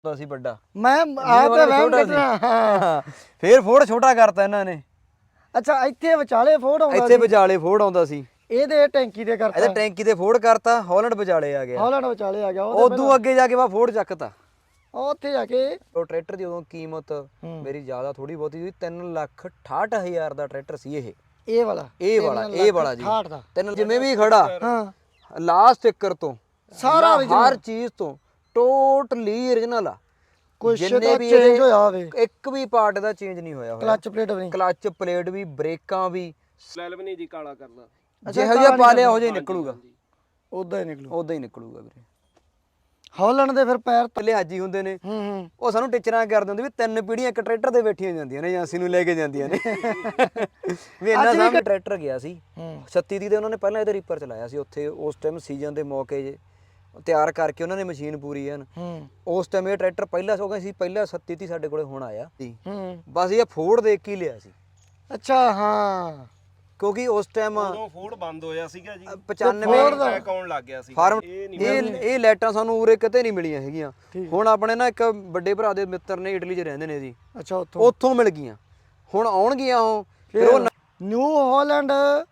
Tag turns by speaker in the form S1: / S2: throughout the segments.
S1: ਸੀ ਵੱਡਾ
S2: ਮੈਂ ਆਪ ਵਹਿਮ ਕੱਢਣਾ ਹਾਂ
S1: ਫੇਰ ਫੋੜ ਛੋਟਾ ਕਰਤਾ ਇਹਨਾਂ ਨੇ।
S2: ਅੱਛਾ ਇੱਥੇ ਵਿਚਾਲੇ ਫੋੜ ਆਉਂਦਾ
S1: ਇੱਥੇ ਵਿਚਾਲੇ ਫੋੜ ਆਉਂਦਾ ਸੀ,
S2: ਇਹਦੇ ਟੈਂਕੀ ਦੇ ਕਰਤਾ,
S1: ਇਹਦੇ ਟੈਂਕੀ ਤੇ ਫੋੜ ਕਰਤਾ, ਹਾਲੈਂਡ ਵਿਚਾਲੇ ਆ ਗਿਆ,
S2: ਹਾਲੈਂਡ ਵਿਚਾਲੇ ਆ ਗਿਆ।
S1: ਉਦੋਂ ਅੱਗੇ ਜਾ ਕੇ ਬਾ ਫੋੜ ਚੱਕਤਾ।
S2: ਉੱਥੇ ਜਾ ਕੇ
S1: ਉਹ ਟਰੈਕਟਰ ਦੀ ਉਦੋਂ ਕੀਮਤ ਮੇਰੀ ਜ਼ਿਆਦਾ ਥੋੜੀ ਬਹੁਤੀ ਸੀ, 3,68,000 ਦਾ ਟਰੈਕਟਰ ਸੀ
S2: ਇਹ ਵਾਲਾ
S1: ਇਹ ਵਾਲਾ ਜੀ
S2: 68 ਦਾ
S1: ਤਿੰਨ ਜਿਵੇਂ ਵੀ ਖੜਾ
S2: ਹਾਂ
S1: ਲਾਸਟ ਸਟicker ਤੋਂ
S2: ਸਾਰਾ
S1: ਹਰ ਚੀਜ਼ ਤੋਂ ਟੋਟਲੀ origignal ਆ।
S2: ਕੁਛ
S1: ਜਿੰਨੇ
S2: ਤਾਂ
S1: ਵੀ
S2: ਚੇਂਜ ਹੋਇਆ ਹੋਵੇ,
S1: ਇੱਕ ਵੀ ਪਾਰਟ ਦਾ ਚੇਂਜ ਨਹੀਂ ਹੋਇਆ
S2: ਕਲਚ ਪਲੇਟ ਵੀ ਨਹੀਂ,
S1: ਕਲਚ ਪਲੇਟ ਵੀ, ਬ੍ਰੇਕਾਂ ਵੀ,
S3: ਸੈਲ ਵੀ ਨਹੀਂ ਜੀ ਕਾਲਾ ਕਰਨਾ,
S1: ਜਿਹੋ ਜਿਹਾ ਪਾ ਲਿਆ ਉਹ ਜਿਹਾ ਨਿਕਲੂਗਾ,
S2: ਉਦਾਂ ਹੀ ਨਿਕਲੂ,
S1: ਉਦਾਂ ਹੀ ਨਿਕਲੂਗਾ ਵੀਰੇ।
S2: ਹਾਲੈਂਡ ਦੇ ਫਿਰ ਪੈਰ
S1: ਲਿਹਾਜੀ ਹੁੰਦੇ ਨੇ, ਉਹ ਸਾਨੂੰ ਟੀਚਰਾਂ ਕਰਦੇ ਹੁੰਦੇ ਵੀ 3 ਪੀੜ੍ਹੀਆਂ ਇੱਕ ਟਰੈਕਟਰ ਦੇ ਬੈਠੀਆਂ ਜਾਂਦੀਆਂ ਨੇ, ਏਜੰਸੀ ਨੂੰ ਲੈ ਕੇ ਜਾਂਦੀਆਂ ਨੇ ਵੀ ਇੰਨਾ ਸਾਹਮਣੇ ਟਰੈਕਟਰ ਗਿਆ ਸੀ 36 ਦੀ, ਤੇ ਉਹਨਾਂ ਨੇ ਪਹਿਲਾਂ ਇਹਦੇ ਰੀਪਰ ਚਲਾਇਆ ਸੀ ਉੱਥੇ ਉਸ ਟਾਈਮ ਸੀਜ਼ਨ ਦੇ ਮੌਕੇ ਜੇ ਤਿਆਰ ਕਰਕੇ ਉਹਨਾਂ ਨੇ ਮਸ਼ੀਨ ਪੂਰੀ ਐਨ ਉਸ ਟਾਈਮ ਇਹ ਟਰੈਕਟਰ ਪਹਿਲਾਂ ਸੋ ਗਏ ਸੀ, ਪਹਿਲਾਂ 37 ਦੀ ਸਾਡੇ ਕੋਲੇ ਹੁਣ ਆਇਆ ਸੀ, ਬਸ ਇਹ ਫੋੜ ਦੇਖ ਕੇ ਹੀ ਲਿਆ ਸੀ।
S2: ਅੱਛਾ ਹਾਂ
S1: ਕਿਉਂਕਿ ਉਸ ਟਾਈਮ
S3: ਉਦੋਂ ਫੋੜ ਬੰਦ ਹੋਇਆ ਸੀਗਾ ਜੀ,
S1: 95
S3: ਟੈਕ ਆਉਣ ਲੱਗ ਗਿਆ ਸੀ
S1: ਫਾਰਮ ਇਹ ਲਾਈਟਾਂ ਸਾਨੂੰ ਉਰੇ ਕਿਤੇ ਨਹੀਂ ਮਿਲੀਆਂ ਹੈਗੀਆਂ। ਹੁਣ ਆਪਣੇ ਨਾ ਇੱਕ ਵੱਡੇ ਭਰਾ ਦੇ ਮਿੱਤਰ ਨੇ ਇਟਲੀ 'ਚ ਰਹਿੰਦੇ ਨੇ ਜੀ,
S2: ਅੱਛਾ
S1: ਉੱਥੋਂ ਮਿਲ ਗਈਆਂ, ਹੁਣ ਆਉਣਗੀਆਂ ਉਹ। ਫਿਰ ਉਹ
S2: ਨਿਊ ਹਾਲੈਂਡ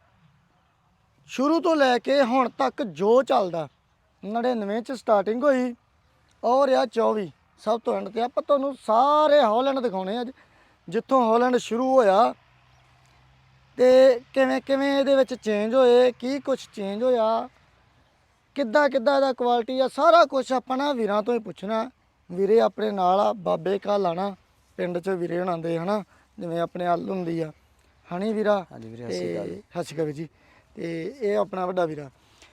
S2: ਸ਼ੁਰੂ ਤੋਂ ਲੈ ਕੇ ਹੁਣ ਤੱਕ ਜੋ ਚੱਲਦਾ 99 ਚ ਸਟਾਰਟਿੰਗ ਹੋਈ ਔਰ ਆ 24 ਸਭ ਤੋਂ ਐਂਡ ਤੇ ਆਪਾਂ ਤੁਹਾਨੂੰ ਸਾਰੇ ਹਾਲੈਂਡ ਦਿਖਾਉਣੇ ਅੱਜ, ਜਿੱਥੋਂ ਹਾਲੈਂਡ ਸ਼ੁਰੂ ਹੋਇਆ ਤੇ ਕਿਵੇਂ ਕਿਵੇਂ ਇਹਦੇ ਵਿੱਚ ਚੇਂਜ ਹੋਏ, ਕੀ ਕੁਝ ਚੇਂਜ ਹੋਇਆ, ਕਿੱਦਾਂ ਕਿੱਦਾਂ ਇਹਦਾ ਕੁਆਲਿਟੀ ਆ, ਸਾਰਾ ਕੁਝ ਆਪਾਂ ਨਾ ਵੀਰਾਂ ਤੋਂ ਹੀ ਪੁੱਛਣਾ। ਵੀਰੇ ਆਪਣੇ ਨਾਲ ਆ, ਬਾਬੇ ਕਾ ਲਾਣਾ ਪਿੰਡ 'ਚ ਵੀਰੇ ਬਣਾਉਂਦੇ ਹਨਾ, ਜਿਵੇਂ ਆਪਣੇ ਹੱਲ ਹੁੰਦੀ ਆ ਹਣੀ ਵੀਰਾ, ਤੇ ਹਸਕਾ ਜੀ, ਤੇ ਇਹ ਆਪਣਾ ਵੱਡਾ ਵੀਰਾ,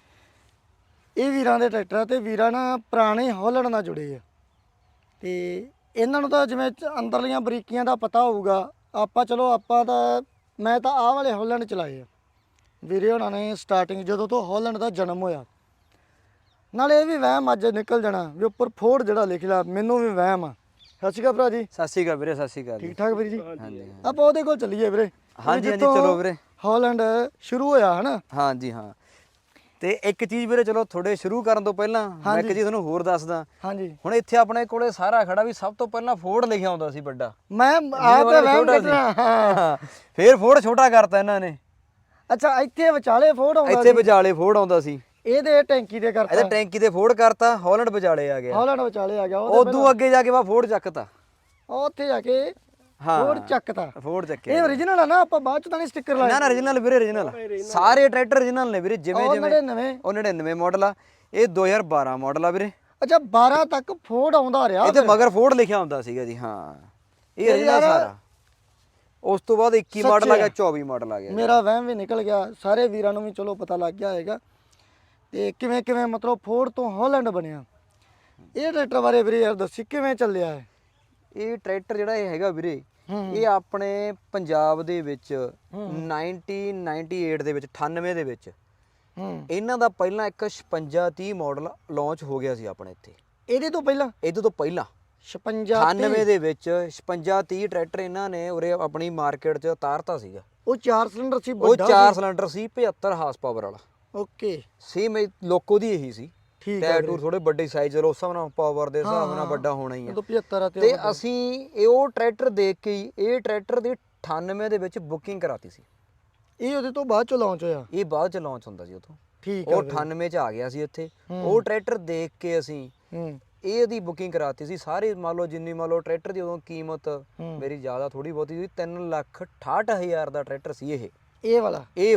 S2: ਇਹ ਵੀਰਾਂ ਦੇ ਟਰੈਕਟਰ ਆ ਤੇ ਵੀਰਾਂ ਨਾ ਪੁਰਾਣੇ ਹਾਲੈਂਡ ਨਾਲ ਜੁੜੇ ਆ, ਤੇ ਇਹਨਾਂ ਨੂੰ ਤਾਂ ਜਿਵੇਂ ਅੰਦਰਲੀਆਂ ਬਰੀਕੀਆਂ ਦਾ ਪਤਾ ਹੋਊਗਾ। ਆਪਾਂ ਚਲੋ ਆਪਾਂ ਤਾਂ ਮੈਂ ਤਾਂ ਆਹ ਵਾਲੇ ਹਾਲੈਂਡ ਚਲਾਏ ਆ, ਵੀਰੇ ਉਹਨਾਂ ਨੇ ਸਟਾਰਟਿੰਗ ਜਦੋਂ ਤੋਂ ਹਾਲੈਂਡ ਦਾ ਜਨਮ ਹੋਇਆ। ਨਾਲੇ ਇਹ ਵੀ ਵਹਿਮ ਅੱਜ ਨਿਕਲ ਜਾਣਾ ਵੀ ਉੱਪਰ ਫੋੜ ਜਿਹੜਾ ਲਿਖ ਲਿਆ, ਮੈਨੂੰ ਵੀ ਵਹਿਮ ਆ। ਸਤਿ ਸ਼੍ਰੀ ਅਕਾਲ ਭਰਾ ਜੀ।
S1: ਸਤਿ ਸ਼੍ਰੀ ਅਕਾਲ ਵੀਰੇ, ਸਤਿ ਸ਼੍ਰੀ ਅਕਾਲ।
S2: ਠੀਕ ਠਾਕ ਵੀਰ ਜੀ?
S1: ਹਾਂਜੀ
S2: ਆਪਾਂ ਉਹਦੇ ਕੋਲ ਚੱਲੀਏ ਵੀਰੇ।
S1: ਹਾਂਜੀ ਹਾਂਜੀ ਚਲੋ ਵੀਰੇ।
S2: ਹਾਲੈਂਡ ਸ਼ੁਰੂ ਹੋਇਆ ਹਨਾ?
S1: ਹਾਂਜੀ ਹਾਂ। ਤੇ ਇੱਕ ਚੀਜ਼ ਵੀਰੇ ਚਲੋ ਥੋੜੇ ਸ਼ੁਰੂ ਕਰਨ ਤੋਂ ਪਹਿਲਾਂ ਮੈਂ ਇੱਕ ਚੀਜ਼ ਤੁਹਾਨੂੰ ਹੋਰ ਦੱਸਦਾ।
S2: ਹਾਂਜੀ।
S1: ਹੁਣ ਇੱਥੇ ਆਪਣੇ ਕੋਲੇ ਸਾਰਾ ਖੜਾ ਵੀ ਸਭ ਤੋਂ ਪਹਿਲਾਂ ਫੋੜ ਲਿਖਿਆ ਹੁੰਦਾ ਸੀ ਵੱਡਾ,
S2: ਮੈਂ ਆਪ ਵਹਿਮ ਕੱਢਣਾ ਹਾਂ
S1: ਫੇਰ ਫੋੜ ਛੋਟਾ ਕਰਤਾ ਇਹਨਾਂ ਨੇ।
S2: ਅੱਛਾ ਇੱਥੇ ਵਿਚਾਲੇ ਫੋੜ ਆਉਂਦਾ,
S1: ਇੱਥੇ ਵਿਚਾਲੇ ਫੋੜ ਆਉਂਦਾ ਸੀ,
S2: ਇਹਦੇ ਟੈਂਕੀ ਦੇ ਕਰਤਾ,
S1: ਇਹਦੇ ਟੈਂਕੀ ਤੇ ਫੋੜ ਕਰਤਾ, ਹਾਲੈਂਡ ਵਿਚਾਲੇ ਆ ਗਿਆ,
S2: ਹਾਲੈਂਡ ਵਿਚਾਲੇ ਆ ਗਿਆ।
S1: ਉਦੋਂ ਅੱਗੇ ਜਾ ਕੇ ਬਾ ਫੋੜ ਚੱਕਤਾ,
S2: ਉੱਥੇ ਜਾ ਕੇ ਫੋੜ ਚੱਕਤਾ,
S1: ਫੋੜ ਚੱਕਿਆ।
S2: ਇਹ origignal ਆ ਨਾ, ਆਪਾਂ ਬਾਅਦ ਚ ਤਾਂ ਨਹੀਂ ਸਟicker ਲਾਇਆ?
S1: ਨਾ origignal ਵੀਰੇ, origignal ਸਾਰੇ ਟਰੈਕਟਰ origignal ਨੇ ਵੀਰੇ, ਜਿਵੇਂ ਜਿਵੇਂ ਉਹ 99 ਮਾਡਲ ਆ, ਇਹ 2012 ਮਾਡਲ ਆ ਵੀਰੇ।
S2: ਅੱਛਾ 12 ਤੱਕ ਫੋੜ ਆਉਂਦਾ ਰਿਹਾ
S1: ਇਹ ਤੇ ਮਗਰ ਫੋੜ ਲਿਖਿਆ ਹੁੰਦਾ ਸੀਗਾ ਜੀ। ਹਾਂ ਇਹ origignal ਸਾਰਾ। ਉਸ ਤੋਂ ਬਾਅਦ 21 ਮਾਡਲ ਆ ਗਿਆ, 24 ਮਾਡਲ ਆ ਗਿਆ।
S2: ਮੇਰਾ ਵਹਿਮ ਵੀ ਨਿਕਲ ਗਿਆ, ਸਾਰੇ ਵੀਰਾਂ ਨੂੰ ਵੀ ਚਲੋ ਪਤਾ ਲੱਗ ਗਿਆ ਹੋਏਗਾ ਤੇ ਕਿਵੇਂ ਕਿਵੇਂ ਮਤਲਬ ਫੋੜ ਤੋਂ ਹਾਲੈਂਡ ਬਣਿਆ। ਇਹ ਟਰੈਕਟਰ ਬਾਰੇ ਵੀਰੇ ਯਾਰ ਦੱਸੀ ਕਿਵੇਂ ਚੱਲਿਆ ਹੈ
S1: ਇਹ ਟਰੈਕਟਰ ਜਿਹੜਾ ਇਹ ਹੈਗਾ ਵੀਰੇ, ਇਹ ਆਪਣੇ ਪੰਜਾਬ ਦੇ ਵਿੱਚ 1998 ਦੇ ਵਿੱਚ 98 ਦੇ ਵਿੱਚ ਇਹਨਾਂ ਦਾ ਪਹਿਲਾਂ ਇੱਕ 5630 ਮਾਡਲ ਲਾਂਚ ਹੋ ਗਿਆ ਸੀ ਆਪਣੇ ਇੱਥੇ।
S2: ਇਹਦੇ ਤੋਂ ਪਹਿਲਾਂ
S1: 56 98 ਦੇ ਵਿੱਚ 5630 ਟਰੈਕਟਰ ਇਹਨਾਂ ਨੇ ਉਰੇ ਆਪਣੀ ਮਾਰਕੀਟ 'ਚ ਉਤਾਰਤਾ ਸੀਗਾ।
S2: ਉਹ 4 ਸਿਲੰਡਰ ਸੀ,
S1: ਉਹ 4 ਸਿਲੰਡਰ ਸੀ, 75 ਹਾਰਸ ਪਾਵਰ ਵਾਲਾ।
S2: ਓਕੇ
S1: ਸੇਮ ਲੋਕੋ ਦੀ ਇਹੀ ਸੀ। ਟਾਇਰ ਟੂਰ ਥੋੜੇ ਵੱਡੇ ਸਾਈਜ਼ ਦੇ, ਉਸ ਹਿਸਾਬ ਨਾਲ ਪਾਵਰ ਦੇ ਹਿਸਾਬ ਨਾਲ ਵੱਡਾ ਹੋਣਾ ਹੀ ਆ।
S2: 75
S1: ਤੇ ਅਸੀਂ ਇਹ ਉਹ ਟਰੈਕਟਰ ਦੇਖ ਕੇ ਹੀ ਇਹ ਟਰੈਕਟਰ ਦੀ 98 ਦੇ ਵਿੱਚ ਬੁਕਿੰਗ ਕਰਾਤੀ ਸੀ।
S2: ਇਹ ਉਹਦੇ ਤੋਂ ਬਾਅਦ ਚ ਲਾਂਚ ਹੋਇਆ?
S1: ਇਹ ਬਾਅਦ ਚ ਲਾਂਚ ਹੁੰਦਾ ਸੀ ਉਥੋਂ।
S2: ਠੀਕ
S1: ਉਹ 98 ਚ ਆ ਗਿਆ ਸੀ ਇੱਥੇ। ਉਹ ਟਰੈਕਟਰ ਦੇਖ ਕੇ ਅਸੀਂ ਇਹਦੀ ਬੁਕਿੰਗ ਕਰਾਤੀ ਸੀ ਸਾਰੀ। ਮੰਨ ਲਓ ਜਿੰਨੀ ਮੰਨ ਲਓ ਟਰੈਕਟਰ ਦੀ ਉਦੋਂ ਕੀਮਤ ਮੇਰੀ ਜ਼ਿਆਦਾ ਥੋੜੀ ਬਹੁਤੀ ਸੀ, 3,68,000 ਦਾ ਟਰੈਕਟਰ ਸੀ ਇਹ ਵਾਲਾ ਜੀ,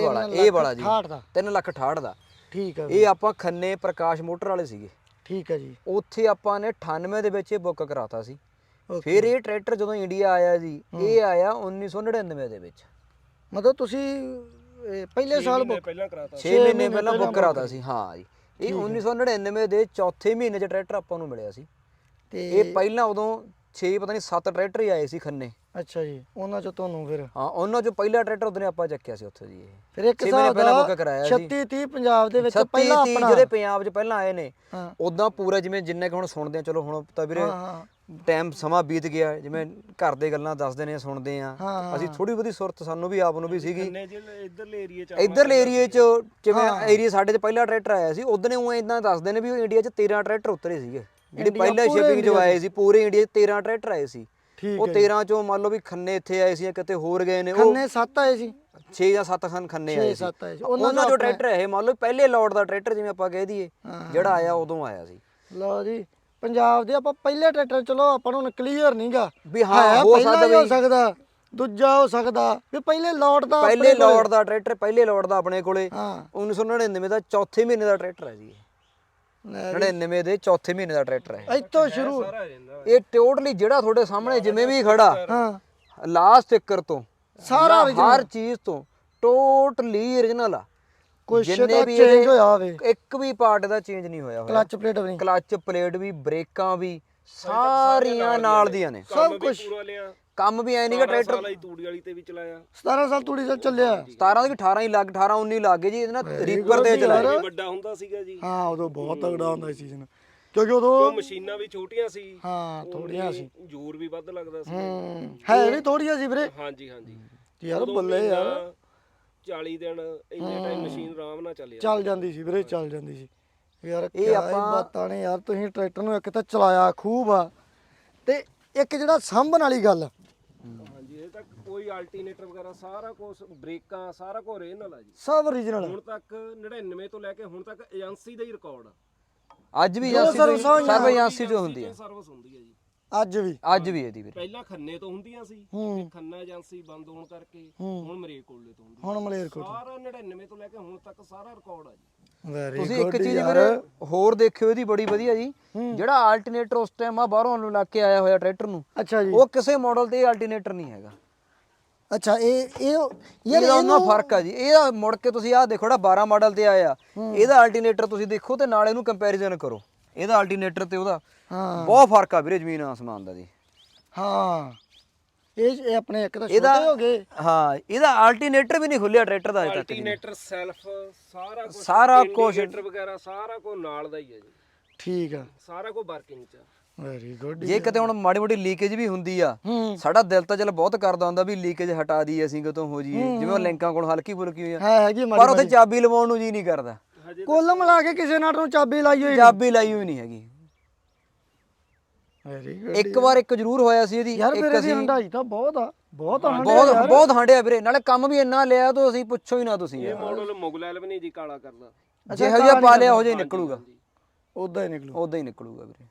S1: 3,68,000 ਦਾ।
S2: ਠੀਕ ਹੈ।
S1: ਇਹ ਆਪਾਂ ਖੰਨੇ ਪ੍ਰਕਾਸ਼ ਮੋਟਰ ਵਾਲੇ ਸੀਗੇ।
S2: ਠੀਕ ਹੈ ਜੀ।
S1: ਉੱਥੇ ਆਪਾਂ ਨੇ 98 ਦੇ ਵਿੱਚ ਇਹ ਬੁੱਕ ਕਰਾਤਾ ਸੀ। ਫਿਰ ਇਹ ਟਰੈਕਟਰ ਜਦੋਂ ਇੰਡੀਆ ਆਇਆ ਜੀ, ਇਹ ਆਇਆ 1999 ਦੇ ਵਿੱਚ।
S2: ਮਤਲਬ ਤੁਸੀਂ ਪਹਿਲੇ ਸਾਲ
S3: ਪਹਿਲਾਂ ਕਰਾਤਾ,
S1: 6 ਮਹੀਨੇ ਪਹਿਲਾਂ ਬੁੱਕ ਕਰਾਤਾ ਸੀ। ਹਾਂ ਜੀ, ਇਹ 1999 ਦੇ ਚੌਥੇ ਮਹੀਨੇ 'ਚ ਟਰੈਕਟਰ ਆਪਾਂ ਨੂੰ ਮਿਲਿਆ ਸੀ। ਤੇ ਇਹ ਪਹਿਲਾਂ ਉਦੋਂ 6 ਪਤਾ ਨਹੀਂ 7 ਟਰੈਕਟਰ ਹੀ ਆਏ ਸੀ ਖੰਨੇ।
S2: ਅੱਛਾ ਜੀ, ਉਹਨਾਂ ਚੋਂ ਤੁਹਾਨੂੰ ਫਿਰ
S1: ਹਾਂ ਉਹਨਾਂ ਚੋਂ ਪਹਿਲਾ ਟਰੈਕਟਰ ਉਹਨੇ ਆਪਾਂ ਚੱਕਿਆ ਸੀ ਉੱਥੇ ਜੀ। ਇਹ
S2: ਫਿਰ ਇੱਕ ਹਿਸਾਬ ਦਾ 36 30 ਪੰਜਾਬ ਦੇ ਵਿੱਚ ਪਹਿਲਾਂ ਆਪਣਾ
S1: ਜਿਹੜੇ ਪੰਜਾਬ 'ਚ ਪਹਿਲਾਂ ਆਏ ਨੇ, ਉਦਾਂ ਪੂਰਾ ਜਿਵੇਂ ਜਿੰਨੇ ਕਿ ਹੁਣ ਸੁਣਦੇ ਆ। ਚਲੋ ਹੁਣ ਤਾਂ ਵੀਰੇ ਟਾਈਮ ਸਮਾਂ ਬੀਤ ਗਿਆ, ਜਿਵੇਂ ਘਰ ਦੇ ਗੱਲਾਂ ਦੱਸਦੇ ਨੇ ਸੁਣਦੇ ਆ ਅਸੀਂ, ਥੋੜੀ ਬਹੁਤੀ ਸੁਰਤ ਸਾਨੂੰ ਵੀ ਆਪ ਨੂੰ ਵੀ ਸੀਗੀ। ਇੱਧਰਲੇ ਏਰੀਏ 'ਚ ਜਿਵੇਂ ਏਰੀਆ ਸਾਡੇ 'ਚ ਪਹਿਲਾ ਟਰੈਕਟਰ ਆਇਆ ਸੀ, ਉਦੋਂ ਉਹ ਇਦਾਂ ਦੱਸਦੇ ਨੇ ਵੀ ਇੰਡੀਆ 'ਚ 13 ਟਰੈਕਟਰ ਉਤਰੇ ਸੀਗੇ ਜਿਹੜੀ ਪਹਿਲਾਂ ਸ਼ਿਪਿੰਗ ਚ ਆਏ ਸੀ ਪੂਰੇ ਇੰਡੀਆ 'ਚ 13 ਟਰੈਕਟਰ ਆਏ ਸੀ।
S2: ਠੀਕ
S1: ਉਹ 13 ਚੋਂ ਮੰਨ ਲਓ ਵੀ ਖੰਨੇ ਇੱਥੇ ਆਏ ਸੀ ਜਾਂ ਕਿਤੇ ਹੋਰ ਗਏ ਨੇ, ਉਹ
S2: ਖੰਨੇ 7 ਆਏ ਸੀ
S1: 6 ਜਾਂ 7 ਖੰਨੇ ਆਏ ਸੀ।
S2: 7 ਆਏ ਸੀ
S1: ਉਹਨਾਂ ਚੋਂ ਟਰੈਕਟਰ ਇਹ ਮੰਨ ਲਓ ਪਹਿਲੇ ਲੋਟ ਦਾ ਟਰੈਕਟਰ ਜਿਵੇਂ ਆਪਾਂ ਕਹਿ ਦਈਏ ਜਿਹੜਾ ਆਇਆ ਉਦੋਂ ਆਇਆ ਸੀ।
S2: ਲਓ ਜੀ ਪੰਜਾਬ ਦੇ ਆਪਾਂ ਪਹਿਲੇ ਟਰੈਕਟਰ, ਚਲੋ ਆਪਾਂ ਨੂੰ ਕਲੀਅਰ ਨਹੀਂਗਾ
S1: ਵੀ ਹਾਂ ਹੋ ਸਕਦਾ
S2: ਹੋ ਸਕਦਾ ਦੂਜਾ ਹੋ ਸਕਦਾ ਵੀ ਪਹਿਲੇ ਲੋਟ ਦਾ
S1: ਪਹਿਲੇ ਲੋਟ ਦਾ ਟਰੈਕਟਰ ਪਹਿਲੇ ਲੋਟ ਦਾ ਆਪਣੇ ਕੋਲੇ
S2: ਹਾਂ
S1: 1999 ਦਾ ਚੌਥੇ ਮਹੀਨੇ ਦਾ ਟਰੈਕਟਰ ਹੈ ਜੀ। 99 ਦੇ ਚੌਥੇ ਮਹੀਨੇ ਦਾ ਟਰੈਕਟਰ ਹੈ
S2: ਇੱਥੋਂ ਸ਼ੁਰੂ।
S1: ਇਹ ਟੋਟਲੀ ਜਿਹੜਾ ਤੁਹਾਡੇ ਸਾਹਮਣੇ ਜਿਵੇਂ ਵੀ ਖੜਾ
S2: ਹਾਂ
S1: ਲਾਸਟ ਚੱਕਰ ਤੋਂ
S2: ਸਾਰਾ
S1: ਹਰ ਚੀਜ਼ ਤੋਂ ਟੋਟਲੀ origignal ਆ।
S2: ਕੁਛ
S1: ਜਿੰਨੇ
S2: ਤਾਂ
S1: ਵੀ
S2: ਚੇਂਜ ਹੋਇਆ ਹੋਵੇ,
S1: ਇੱਕ ਵੀ ਪਾਰਟ ਦਾ ਚੇਂਜ ਨਹੀਂ ਹੋਇਆ ਹੋਇਆ।
S2: ਕਲਚ ਪਲੇਟ ਵੀ ਨਹੀਂ,
S1: ਕਲਚ ਪਲੇਟ ਵੀ, ਬ੍ਰੇਕਾਂ ਵੀ ਸਾਰੀਆਂ ਨਾਲ ਦੀਆਂ ਨੇ।
S2: ਸਭ ਕੁਝ
S3: ਪੂਰਾ ਲਿਆ।
S1: ਕੰਮ ਵੀ ਐ ਨਹੀਂਗਾ ਟਰੈਕਟਰ
S3: ਸਾਲਾ ਹੀ ਤੂੜੀ ਵਾਲੀ ਤੇ ਵੀ ਚਲਾਇਆ।
S2: 17 ਸਾਲ ਤੂੜੀ ਚੱਲ ਚੱਲਿਆ।
S1: 17 ਦੀ 18 ਹੀ ਲੱਗ 18 19 ਲੱਗ ਗਏ ਜੀ ਇਹਦੇ ਨਾਲ ਰੀਪਰ ਦੇ ਚਲਾਏ।
S3: ਇਹ ਵੱਡਾ ਹੁੰਦਾ ਸੀਗਾ ਜੀ।
S2: ਹਾਂ ਉਦੋਂ ਬਹੁਤ ਤਗੜਾ ਹੁੰਦਾ ਸੀ ਸੀਜ਼ਨ, ਕਿਉਂਕਿ ਉਦੋਂ
S3: ਉਹ ਮਸ਼ੀਨਾਂ ਵੀ ਛੋਟੀਆਂ ਸੀ।
S2: ਹਾਂ ਥੋੜੀਆਂ ਸੀ,
S3: ਜ਼ੋਰ ਵੀ ਵੱਧ ਲੱਗਦਾ ਸੀ।
S2: ਹੈ ਵੀ ਥੋੜੀਆਂ ਸੀ ਵੀਰੇ।
S3: ਹਾਂਜੀ ਹਾਂਜੀ
S2: ਯਾਰ ਬੱਲੇ ਯਾਰ
S3: 40 ਦਿਨ ਇੰਨੇ ਟਾਈਮ ਮਸ਼ੀਨ ਆਰਾਮ ਨਾਲ ਚੱਲਿਆ।
S2: ਚੱਲ ਜਾਂਦੀ ਸੀ ਵੀਰੇ, ਚੱਲ ਜਾਂਦੀ ਸੀ ਯਾਰ।
S1: ਇਹ
S2: ਇਹ
S1: ਆਪਾਂ
S2: ਬਾਤਾਂ ਨੇ ਯਾਰ, ਤੁਸੀਂ ਟਰੈਕਟਰ ਨੂੰ ਇੱਕ ਤਾਂ ਚਲਾਇਆ ਖੂਬ ਆ, ਤੇ ਇੱਕ ਜਿਹੜਾ ਸਾਂਭਣ ਵਾਲੀ ਗੱਲ,
S3: ਹਾਂਜੀ ਇਹ ਤੱਕ ਕੋਈ ਅਲਟਰਨੇਟਰ ਵਗੈਰਾ ਸਾਰਾ ਕੁਝ, ਬ੍ਰੇਕਾਂ ਸਾਰਾ ਕੁਝ ਰੇ ਨਾਲ ਆ ਜੀ।
S2: ਸਭ origignal
S3: ਹੁਣ ਤੱਕ 99 ਤੋਂ ਲੈ ਕੇ ਹੁਣ ਤੱਕ ਏਜੰਸੀ ਦਾ ਹੀ ਰਿਕਾਰਡ ਆ।
S1: ਅੱਜ ਵੀ ਏਜੰਸੀ ਸਰਵ ਏਜੰਸੀ ਜੋ ਹੁੰਦੀ ਹੈ,
S3: ਸਰਵਿਸ ਹੁੰਦੀ ਹੈ ਜੀ
S2: ਅੱਜ ਵੀ
S1: ਇਹਦੀ ਵੀਰੇ।
S3: ਪਹਿਲਾਂ ਖੰਨੇ ਤੋਂ ਹੁੰਦੀਆਂ ਸੀ, ਤੇ ਖੰਨਾ ਏਜੰਸੀ ਬੰਦ ਹੋਣ ਕਰਕੇ ਹੁਣ ਮਰੇਕੋਲੇ ਤੋਂ ਹੁੰਦੀ।
S2: ਹੁਣ ਮਲੇਰਕੋਟ
S3: ਸਾਰਾ 99 ਤੋਂ ਲੈ ਕੇ ਹੁਣ ਤੱਕ ਸਾਰਾ ਰਿਕਾਰਡ ਆ ਜੀ।
S2: ਵੈਰੀ
S1: ਤੁਸੀਂ ਇੱਕ ਚੀਜ਼ ਵੀਰੇ ਹੋਰ ਦੇਖਿਓ ਇਹਦੀ ਬੜੀ ਵਧੀਆ ਜੀ, ਜਿਹੜਾ ਆਲਟਰਨੇਟਰ ਉਸ ਟਾਈਮ ਆ ਬਾਹਰੋਂ ਲਾ ਕੇ ਆਇਆ ਹੋਇਆ ਟਰੈਕਟਰ ਨੂੰ,
S2: ਅੱਛਾ ਜੀ,
S1: ਉਹ ਕਿਸੇ ਮਾਡਲ ਤੇ ਆਲਟਰਨੇਟਰ ਨਹੀਂ ਹੈਗਾ।
S2: ਅੱਛਾ ਇਹ ਯਾਰ
S1: ਇਹਦਾ ਉਹਨਾਂ ਫਰਕ ਆ ਜੀ। ਇਹਦਾ ਮੁੜ ਕੇ ਤੁਸੀਂ ਆਹ ਦੇਖੋ ਜਿਹੜਾ 12 ਮਾਡਲ ਤੇ ਆਇਆ, ਇਹਦਾ ਆਲਟਰਨੇਟਰ ਤੁਸੀਂ ਦੇਖੋ ਤੇ ਨਾਲ ਇਹਨੂੰ ਕੰਪੈਰੀਜ਼ਨ ਕਰੋ, ਇਹਦਾ ਆਲਟਰਨੇਟਰ ਤੇ ਉਹਦਾ ਬਹੁਤ ਫਰਕ ਆ ਵੀਰੇ, ਜ਼ਮੀਨ ਆਸਮਾਨ ਦਾ ਜੀ।
S2: ਹਾਂ ਇਹ ਆਪਣੇ ਇੱਕ ਤਾਂ ਛੋਟੇ ਹੋ ਗਏ।
S1: ਹਾਂ ਇਹਦਾ ਆਲਟਰਨੇਟਰ ਵੀ ਨਹੀਂ ਖੁੱਲਿਆ ਟਰੈਕਟਰ ਦਾ ਅਜੇ ਤੱਕ ਜੀ।
S3: ਅਲਟਰਨੇਟਰ ਸੈਲਫ ਸਾਰਾ ਕੁਝ
S1: ਕੁਝ
S3: ਵਗੈਰਾ ਸਾਰਾ ਕੁਝ ਨਾਲ ਦਾ ਹੀ ਹੈ ਜੀ।
S2: ਠੀਕ ਆ,
S3: ਸਾਰਾ ਕੁਝ ਵਰਕਿੰਗ ਚ।
S2: Very good.
S1: ਜੇ ਕਿਤੇ ਹੁਣ ਮਾੜੀ ਮੋਟੀ ਲੀਕੇਜ ਵੀ ਹੁੰਦੀ ਆ, ਸਾਡਾ ਦਿਲ ਤਾਂ ਚਲ ਬਹੁਤ ਕਰਦਾ ਹੁੰਦਾ ਵੀ ਲੀਕੇਜ ਹਟਾ ਦਈਏ ਅਸੀਂ ਕਿਤੋਂ ਹੋ ਜਾਈਏ, ਜਿਵੇਂ ਉਹ ਲਿੰਕਾਂ ਕੋਲ ਹਲਕੀ ਫੁਲਕੀ ਹੋਈ ਆ,
S2: ਹੈਗੀ
S1: ਪਰ ਉੱਥੇ ਚਾਬੀ ਲਵਾਉਣ ਨੂੰ ਜੀ ਨਹੀਂ ਕਰਦਾ।
S2: ਕੁੱਲ ਮਿਲਾ ਕੇ ਕਿਸੇ ਨਾਲ ਨੂੰ ਚਾਬੀ ਲਾਈ ਹੋਈ,
S1: ਚਾਬੀ ਲਾਈ ਹੋਈ ਨਹੀਂ ਹੈਗੀ।
S2: Very good.
S1: ਇੱਕ ਵਾਰ ਇੱਕ ਜ਼ਰੂਰ ਹੋਇਆ ਸੀ ਇਹਦੀ,
S2: ਯਾਰ ਮੇਰੇ ਦੀ ਹੰਡਾਈ ਤਾਂ ਬਹੁਤ ਆ, ਬਹੁਤ
S1: ਬਹੁਤ ਹਾਂਡਿਆ ਵੀਰੇ, ਨਾਲੇ ਕੰਮ ਵੀ ਇੰਨਾ ਲਿਆ ਤੋਂ ਅਸੀਂ ਪੁੱਛੋ ਹੀ ਨਾ ਤੁਸੀਂ।
S3: ਇਹ ਮਾਡਲ ਮੁਗਲ 11 ਜੀ ਕਾਲਾ ਕਰਦਾ,
S1: ਜਿਹੋ ਜਿਹਾ ਪਾ ਲਿਆ ਉਹ ਜਿਹਾ ਹੀ ਨਿਕਲੂਗਾ,
S2: ਉਦਾਂ ਹੀ ਨਿਕਲੂ,
S1: ਉਦਾਂ ਹੀ ਨਿਕਲੂਗਾ ਵੀਰੇ।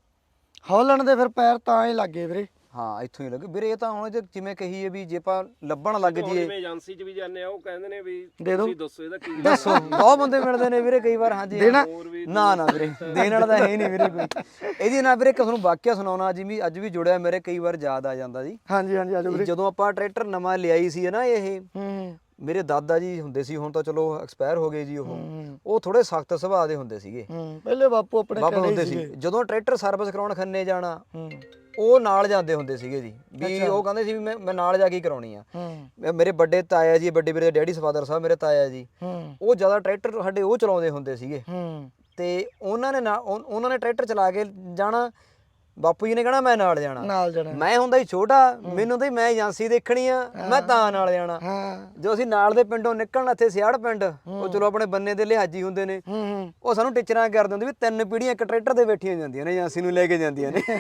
S2: ਹੌਲੈਂਡ ਦੇ ਫਿਰ ਪੈਰ ਤਾਂ ਹੀ ਲੱਗੇ ਵੀਰੇ।
S1: ਹਾਂ ਇੱਥੋਂ ਹੀ ਲੱਗੇ ਵੀਰੇ। ਇਹ ਤਾਂ ਹੁਣ ਜਿਵੇਂ ਕਹੀਏ ਵੀ ਜੇ ਆਪਾਂ ਲੱਭਣ ਲੱਗ ਜੀਏ,
S3: ਜਿਵੇਂ ਏਜੰਸੀ ਚ ਵੀ ਜਾਂਦੇ ਆ, ਉਹ ਕਹਿੰਦੇ ਨੇ ਵੀ
S2: ਦੇ ਦਿਓ,
S3: ਤੁਸੀਂ ਦੱਸੋ ਇਹਦਾ ਕੀ
S1: ਦੱਸੋ। ਬਹੁਤ ਬੰਦੇ ਮਿਲਦੇ ਨੇ ਵੀਰੇ ਕਈ ਵਾਰ। ਹਾਂਜੀ ਨਾ ਨਾ ਵੀਰੇ ਦੇਣ ਵਾਲਾ ਤਾਂ ਹੈ ਹੀ ਨਹੀਂ ਵੀਰੇ ਕੋਈ। ਇਹਦੀ ਨਾ ਵੀਰੇ ਤੁਹਾਨੂੰ ਵਾਕਿਆ ਸੁਣਾਉਣਾ, ਅੱਜ ਵੀ ਜੁੜਿਆ ਮੇਰੇ, ਕਈ ਵਾਰ ਯਾਦ ਆ ਜਾਂਦਾ ਜੀ।
S2: ਹਾਂਜੀ ਹਾਂਜੀ ਆਜੋ ਵੀਰੇ।
S1: ਜਦੋਂ ਆਪਾਂ ਟਰੈਕਟਰ ਨਵਾਂ ਲਿਆਈ ਸੀ ਨਾ, ਇਹ ਮੇਰੇ ਦਾਦਾ ਜੀ ਹੁੰਦੇ ਸੀ, ਹੁਣ ਤਾਂ ਚਲੋ ਐਕਸਪਾਇਰ ਹੋ ਗਏ ਜੀ। ਉਹ ਥੋੜੇ ਸਖਤ ਸੁਭਾਅ ਦੇ ਹੁੰਦੇ ਸੀਗੇ,
S2: ਪਹਿਲੇ ਬਾਪੂ ਆਪਣੇ
S1: ਬਾਪੂ ਹੁੰਦੇ ਸੀ। ਜਦੋਂ ਟਰੈਕਟਰ ਸਰਵਿਸ ਕਰਾਉਣ ਖੰਨੇ ਜਾਣਾ, ਉਹ ਨਾਲ ਜਾਂਦੇ ਹੁੰਦੇ ਸੀਗੇ ਜੀ। ਵੀ ਉਹ ਕਹਿੰਦੇ ਸੀ ਵੀ ਮੈਂ ਨਾਲ ਜਾ ਕੇ ਕਰਾਉਣੀ ਆ। ਮੇਰੇ ਵੱਡੇ ਤਾਇਆ ਜੀ, ਵੱਡੇ ਵੀਰੇ ਦੇ ਡੈਡੀ ਫਾਦਰ ਸਾਹਿਬ ਮੇਰੇ ਤਾਇਆ ਜੀ, ਉਹ ਜ਼ਿਆਦਾ ਟਰੈਕਟਰ ਸਾਡੇ ਉਹ ਚਲਾਉਂਦੇ ਹੁੰਦੇ ਸੀਗੇ। ਤੇ ਉਹਨਾਂ ਨੇ ਟਰੈਕਟਰ ਚਲਾ ਕੇ ਜਾਣਾ, ਬਾਪੂ ਜੀ ਨੇ ਕਹਿਣਾ ਮੈਂ ਨਾਲ ਜਾਣਾ। ਮੈਂ ਹੁੰਦਾ ਸੀ ਛੋਟਾ, ਮੈਨੂੰ ਤਾਂ ਮੈਂ ਏਜੰਸੀ ਦੇਖਣੀ ਆ, ਮੈਂ ਤਾਂ ਨਾਲ ਜਾਣਾ। ਜੋ ਅਸੀਂ ਨਾਲ ਦੇ ਪਿੰਡੋਂ ਨਿਕਲਣਾ, ਇੱਥੇ ਸਿਆੜ ਪਿੰਡ, ਉਹ ਚਲੋ ਆਪਣੇ ਬੰਨੇ ਦੇ ਲਿਹਾਜੀ ਹੁੰਦੇ ਨੇ, ਉਹ ਸਾਨੂੰ ਟੀਚਰਾਂ ਕਰਦੇ ਹੁੰਦੇ ਵੀ 3 ਪੀੜ੍ਹੀਆਂ ਇੱਕ ਟਰੈਕਟਰ ਦੇ ਬੈਠੀਆਂ ਜਾਂਦੀਆਂ ਨੇ, ਏਜੰਸੀ ਨੂੰ ਲੈ ਕੇ ਜਾਂਦੀਆਂ ਨੇ।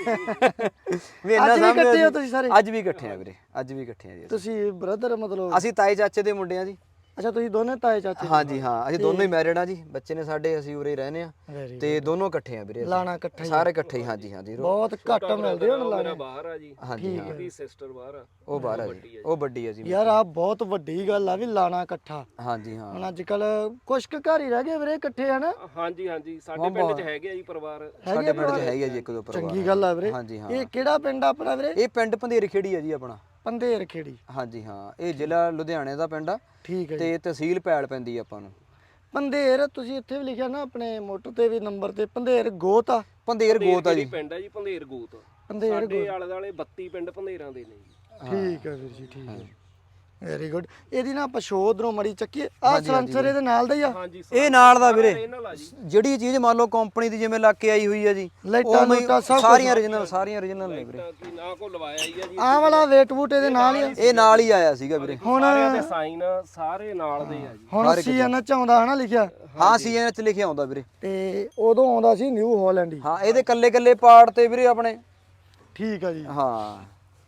S1: ਵੀ ਇੰਨਾ
S2: ਇਕੱਠੇ ਹੋ ਤੁਸੀਂ ਸਾਰੇ?
S1: ਅੱਜ ਵੀ ਇਕੱਠੇ ਆ ਵੀਰੇ, ਅੱਜ ਵੀ ਇਕੱਠੇ ਆ ਜੀ।
S2: ਤੁਸੀਂ ਬ੍ਰਦਰ ਮਤਲਬ?
S1: ਅਸੀਂ ਤਾਏ ਚਾਚੇ ਦੇ ਮੁੰਡੇ ਆ ਜੀ।
S2: ਅੱਛਾ ਤੁਸੀਂ ਦੋਨੇ ਤਾਏ ਚਾਚੇ?
S1: ਹਾਂਜੀ ਹਾਂ, ਅਸੀਂ ਦੋਨੋਂ ਹੀ ਮੈਰਿਡ ਆ ਜੀ, ਬੱਚੇ ਨੇ ਸਾਡੇ, ਅਸੀਂ ਉਰੇ ਰਹਿੰਦੇ ਆ ਤੇ ਦੋਨੋਂ ਇਕੱਠੇ ਆ ਵੀਰੇ।
S2: ਲਾਣਾ ਇਕੱਠਾ
S1: ਸਾਰੇ ਇਕੱਠੇ ਹੀ। ਹਾਂਜੀ ਹਾਂਜੀ
S2: ਬਹੁਤ ਘੱਟ ਮਿਲਦੇ ਹੁਣ ਲਾਣੇ।
S3: ਬਾਹਰ ਆ ਜੀ।
S1: ਹਾਂਜੀ ਹਾਂ,
S3: ਇਹਦੀ ਸਿਸਟਰ ਬਾਹਰ ਆ,
S1: ਉਹ ਬਾਹਰ ਆ ਜੀ, ਉਹ ਵੱਡੀ ਆ ਜੀ।
S2: ਯਾਰ ਆ ਬਹੁਤ ਵੱਡੀ ਗੱਲ ਆ ਵੀ ਲਾਣਾ ਇਕੱਠਾ।
S1: ਹਾਂਜੀ ਹਾਂ,
S2: ਹੁਣ ਅੱਜ ਕੱਲ ਕੁਛ ਕੁ ਘਰ ਹੀ ਰਹਿ ਗਏ ਵੀਰੇ ਇਕੱਠੇ, ਹਨਾ?
S3: ਹਾਂਜੀ ਹਾਂਜੀ ਸਾਡੇ ਪਿੰਡ 'ਚ ਹੈਗੇ ਆ ਜੀ ਪਰਿਵਾਰ।
S1: ਸਾਡੇ ਪਿੰਡ 'ਚ ਹੈਗਾ ਜੀ ਇੱਕ ਦੋ ਪਰਿਵਾਰ।
S2: ਚੰਗੀ ਗੱਲ ਆ ਵੀਰੇ।
S1: ਹਾਂਜੀ ਹਾਂ।
S2: ਇਹ ਕਿਹੜਾ ਪਿੰਡ ਆਪਣਾ ਵੀਰੇ?
S1: ਇਹ ਪਿੰਡ ਪੰਧੇਰ ਖੇੜੀ ਆ ਜੀ ਆਪਣਾ।
S2: ਪੰਧੇਰ ਖੇੜੀ?
S1: ਹਾਂਜੀ ਹਾਂ, ਇਹ ਜ਼ਿਲ੍ਹਾ ਲੁਧਿਆਣੇ ਦਾ ਪਿੰਡ ਆ।
S2: ਠੀਕ ਹੈ
S1: ਤੇ ਤਹਿਸੀਲ ਪੈਲ ਪੈਂਦੀ ਆ ਆਪਾਂ ਨੂੰ।
S2: ਪੰਧੇਰ ਤੁਸੀਂ ਇੱਥੇ ਵੀ ਲਿਖਿਆ ਨਾ ਆਪਣੇ ਮੋਟਰ ਤੇ ਵੀ ਨੰਬਰ ਤੇ, ਪੰਧੇਰ ਗੋਤ ਆ?
S1: ਪੰਧੇਰ ਗੋਤ ਆ ਜੀ।
S3: ਪਿੰਡ ਆ ਜੀ ਪੰਧੇਰ ਗੋਤ।
S2: ਪੰਧੇਰ
S3: ਸਾਡੇ ਆਲੇ ਦੁਆਲੇ 32 ਪਿੰਡ ਪੰਧੇਰਾਂ ਦੇ ਨੇ ਜੀ।
S2: ਠੀਕ ਹੈ ਵੀਰ ਜੀ, ਠੀਕ ਹੈ। Very good. ਇਹਦੀ ਨਾ ਆਪਾਂ ਸ਼ੋ ਉਧਰੋਂ ਮੜੀ ਚੱਕੀ ਆ ਸਲੈਂਸਰ ਇਹਦੇ ਨਾਲ ਦਾ ਹੀ ਆ।
S3: ਹਾਂਜੀ
S1: ਇਹ ਨਾਲ ਦਾ ਵੀਰੇ,
S3: ਇਹਨਾਂ ਲਾ ਜੀ।
S1: ਜਿਹੜੀ ਚੀਜ਼ ਮੰਨ ਲਓ ਕੰਪਨੀ ਦੀ ਜਿਵੇਂ ਲੱਗ ਕੇ ਆਈ ਹੋਈ ਆ ਜੀ,
S2: ਲਾਈਟਾਂ
S1: ਉਵੇਂ ਹੀ
S2: ਲੂਟਾਂ ਸਭ
S1: ਸਾਰੀਆਂ origignal ਨੇ ਵੀਰੇ।
S3: ਤਾਂ ਕੀ ਨਾ ਕੋ ਲਵਾਇਆ ਹੀ ਆ ਜੀ।
S2: ਆਹ ਵਾਲਾ ਵੇਟ ਵੂਟ ਇਹਦੇ ਨਾਲ ਹੀ ਆ।
S1: ਇਹ ਨਾਲ ਹੀ ਆਇਆ ਸੀਗਾ ਵੀਰੇ।
S2: ਹੁਣ
S3: ਸਾਰਿਆਂ ਦੇ ਸਾਈਨ ਸਾਰੇ ਨਾਲ ਦੇ ਆ ਜੀ।
S2: ਹੁਣ ਸੀਐਨ ਚ ਆਉਂਦਾ ਹਨਾ ਲਿਖਿਆ,
S1: ਹਾਂ CN ਚ ਲਿਖਿਆ ਆਉਂਦਾ ਵੀਰੇ।
S2: ਤੇ ਉਦੋਂ ਆਉਂਦਾ ਸੀ ਨਿਊ ਹਾਲੈਂਡ ਹੀ।
S1: ਹਾਂ ਇਹਦੇ ਕੱਲੇ ਪਾਰਟ ਤੇ ਵੀਰੇ ਆਪਣੇ।
S2: ਠੀਕ ਆ ਜੀ।
S1: ਹਾਂ